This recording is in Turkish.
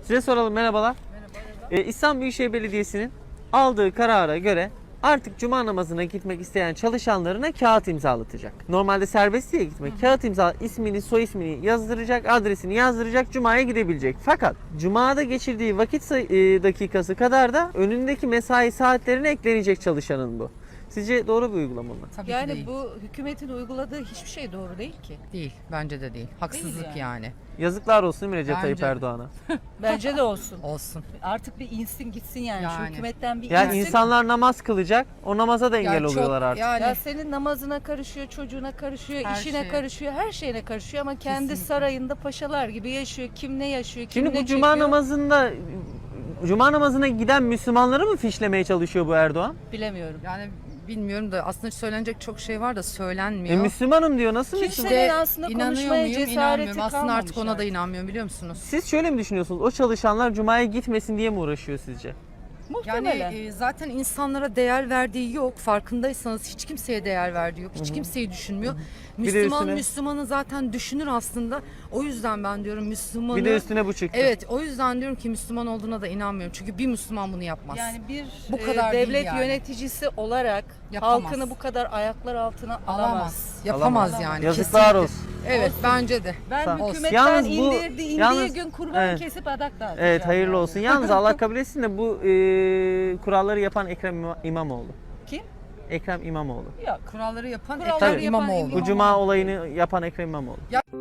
Size soralım, merhabalar. İstanbul Büyükşehir Belediyesi'nin aldığı karara göre artık cuma namazına gitmek isteyen çalışanlarına kağıt imzalatacak. Normalde serbest diye gitmek. Kağıt imza, ismini, soy ismini yazdıracak, adresini yazdıracak, cumaya gidebilecek. Fakat cumada geçirdiği vakit dakikası kadar da önündeki mesai saatlerine eklenecek çalışanın bu. Sizce doğru bir uygulama mı? Tabii ki Yani değil. bu hükümetin uyguladığı hiçbir şey doğru değil ki. Değil. Bence de değil. Haksızlık Değil yani. Yazıklar olsun değil mi Recep Bence Tayyip de. Erdoğan'a? Bence de olsun. Olsun. Artık bir insin gitsin yani. Şu Yani. hükümetten bir Yani insin. insanlar namaz kılacak, o namaza da engel çok- oluyorlar artık. Yani Ya senin namazına karışıyor, çocuğuna karışıyor, Her işine şeye. karışıyor, her şeyine karışıyor ama kendi Kesinlikle. sarayında paşalar gibi yaşıyor. Kim ne yaşıyor, kim Şimdi ne bu cuma çekiyor namazında cuma namazına giden Müslümanları mı fişlemeye çalışıyor bu Erdoğan? bilemiyorum. yani bilmiyorum da aslında söylenecek çok şey var da söylenmiyor. Müslümanım diyor, nasıl Kimse Müslüman? de aslında İnanıyor konuşmaya muyum? cesareti İnanmıyorum. Aslında artık kalmamış ona da artık. inanmıyorum, biliyor musunuz? Siz şöyle mi düşünüyorsunuz? O çalışanlar cumaya gitmesin diye mi uğraşıyor sizce? Yani Muhtemelen. zaten insanlara değer verdiği yok. Farkındaysanız hiç kimseye değer verdiği yok. Hiç kimseyi düşünmüyor. Bir de Müslüman üstüne- Müslümanı zaten düşünür aslında. O yüzden ben diyorum Müslümanı... Bir de üstüne bu çıktı. Evet, o yüzden diyorum ki Müslüman olduğuna da inanmıyorum. Çünkü bir Müslüman bunu yapmaz. Yani bir Bu kadar değil devlet yani. yöneticisi olarak Yapamaz. halkını bu kadar ayaklar altına alamaz. alamaz. Yapamaz Alamaz. yani. Yazıklar kesinlikle. olsun. Evet, bence de. Ben Sağ- hükümetten Yalnız bu- indiği yalnız- gün kurban evet. kesip adak dağıtacağım. Evet, hayırlı yani. olsun. Yalnız Allah kabul etsin de bu kuralları yapan Ekrem İmamoğlu. Kim? Ekrem İmamoğlu. Yok. Kuralları yapan Kuralları Ekrem yapan İmamoğlu. Bu cuma olayını yapan Ekrem İmamoğlu.